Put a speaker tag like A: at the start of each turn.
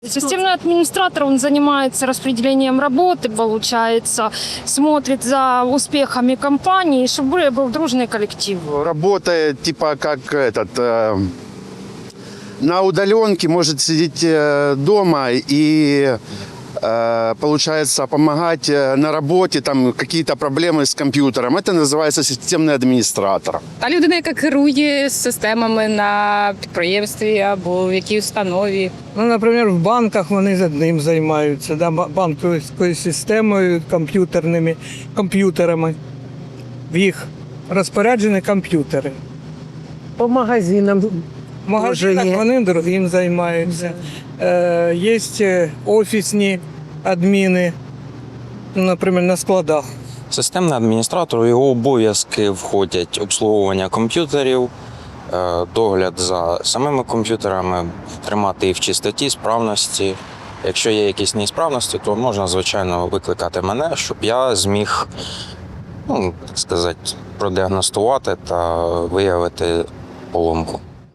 A: Системный администратор, он занимается распределением работы, получается, смотрит за успехами компании, чтобы был дружный коллектив.
B: Работает типа как на удаленке, может сидеть дома и получается помогать на работе, там какие-то проблемы с компьютером. Это называется системный администратор.
C: Та людина, яка керує системами на підприємстві або в якій установі.
D: Ну, наприклад, в банках вони одним займаються, да, банківською системою, комп'ютерами. В їх розпоряджені комп'ютери.
E: По магазинам.
D: В магазинах
E: є.
D: вони другим займаються. Є офісні адміни, ну, наприклад, на складах.
F: Системний адміністратор, у його обов'язки входять обслуговування комп'ютерів, догляд за самими комп'ютерами, тримати їх в чистоті, справності. Якщо є якісь неісправності, то можна, звичайно, викликати мене, щоб я зміг, так сказати, продіагностувати та виявити поломку.